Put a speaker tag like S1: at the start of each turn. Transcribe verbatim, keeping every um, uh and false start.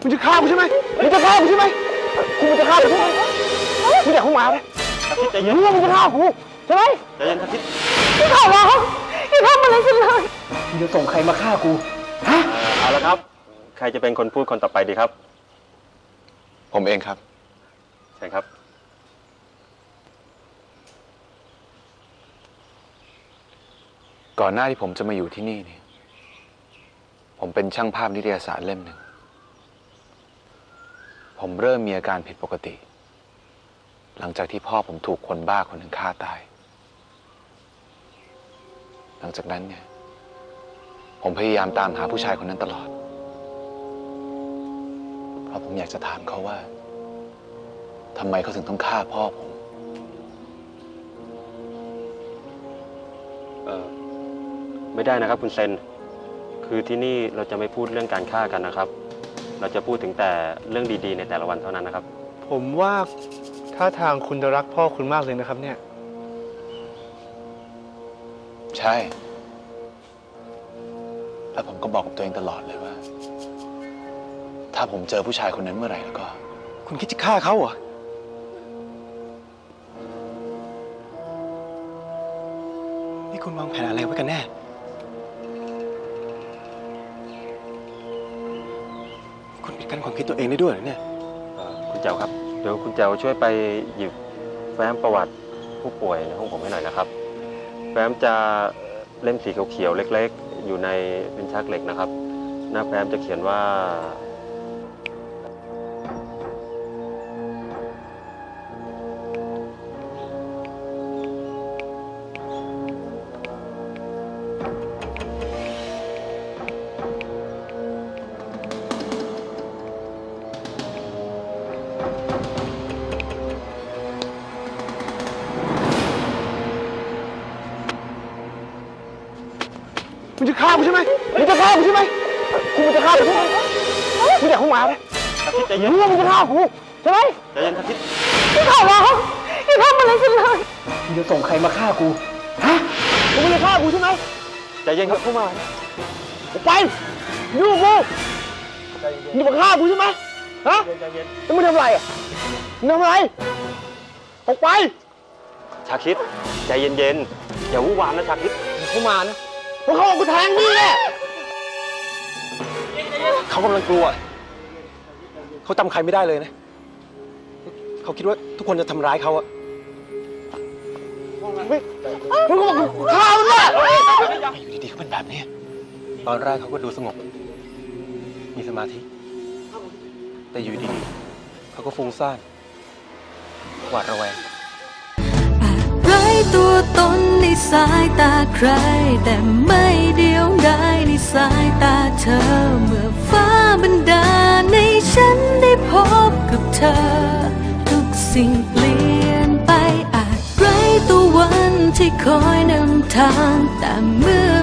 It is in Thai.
S1: มึงจะฆ่ากูใช่ไหมมึงจะฆ่ากูใช่ไหมกูมึงจะฆ่ากูใช่ไหมมึงอยากเข้ามาไหมมึงใจเย็นมึงจะฆ่ากูใช่ไหมใจเย็นทัศน์พี่ขอร้องอย่าทำอะไรฉันเลยมึงจะส่งใครมาฆ่ากูฮะเอาละครับใครจะเป็นคนพูดคนต่อไปดีครับ
S2: ผมเองครับ
S1: ใช่ครับ
S2: ก่อนหน้าที่ผมจะมาอยู่ที่นี่เนี่ยผมเป็นช่างภาพนิตยสารเล่มหนึ่งผมเริ่มมีอาการผิดปกติหลังจากที่พ่อผมถูกคนบ้าคนหนึ่งฆ่าตายหลังจากนั้นเนี่ยผมพยายามตามหาผู้ชายคนนั้นตลอดเพราะผมอยากจะถามเขาว่าทำไมเขาถึงต้องฆ่าพ่อผม
S1: เออไม่ได้นะครับคุณเซนคือที่นี่เราจะไม่พูดเรื่องการฆ่ากันนะครับเราจะพูดถึงแต่เรื่องดีๆในแต่ละวันเท่านั้นนะครับ
S3: ผมว่าท่าทางคุณจะรักพ่อคุณมากเลยนะครับเนี่ย
S2: ใช่แล้วผมก็บอกกับตัวเองตลอดเลยว่าถ้าผมเจอผู้ชายคนนั้นเมื่อไหร่แล้วก็
S3: คุณคิดจะฆ่าเขาเหรอนี่คุณวางแผนอะไรไว้กันแน่คุณปิดกั้นความคิดตัวเองได้ด้วยเหรอเนี่ย
S1: คุณเจ้าครับเดี๋ยวคุณเจ้าช่วยไปหยิบแฟ้มประวัติผู้ป่วยในห้องผมให้หน่อยนะครับแฟ้มจะเล่มสีเขียวๆเล็กๆอยู่ในลิ้นชักเหล็กนะครับหน้าแฟ้มจะเขียนว่ามึงจะฆ่ากูใช่ไหมมึงจะฆ่ากูใช่ไหมกูมึงจะฆ่ากูใช่ไหมมึงอยากเข้ามาไหมทัศน์ใจเย็นมึงจะฆ่ากูใช่ไหมใจเย็นทัศน์พี่ขอร้องอย่าทำอะไรฉันเลยมึงจะส่งใครมาฆ่ากูฮะมึงไม่ได้ฆ่ากูใช่ไหมใจเย็นครับเข้ามาออกไปยุ่งกูมึงมาฆ่ากูใช่ไหมฮะแล้วมึงทำอะไรอ่ะมึงทำอะไรออกไปชาคิดใจเย็นๆอย่าวุ่นวามนะชาคิดเข้ามานะเพราะเขาเอากูแทงนี่แหละ
S3: เขากำลังกลัวเขาจำใครไม่ได้เลยนะเขาคิดว่าทุกคนจะทำร้ายเขาอะ
S1: มึงก็บอกกูฆ่ามันเนี่ย
S3: อยู่ดีๆเขาเป็นแบบนี้ตอนแรกเขาก็ดูสงบมีสมาธิแต่อยู่ดีๆเขาก็ฟุ้งซ่านหวาดระแวง
S4: ไร้ตัวตนในสายตาใครแต่ไม่เดียวดายในสายตาเธอเมื่อฟ้าบันดาลให้ฉันได้พบกับเธอทุกสิ่งเปลี่ยนไปอาจไร้ตัววันที่คอยนำทางแต่เมื่อ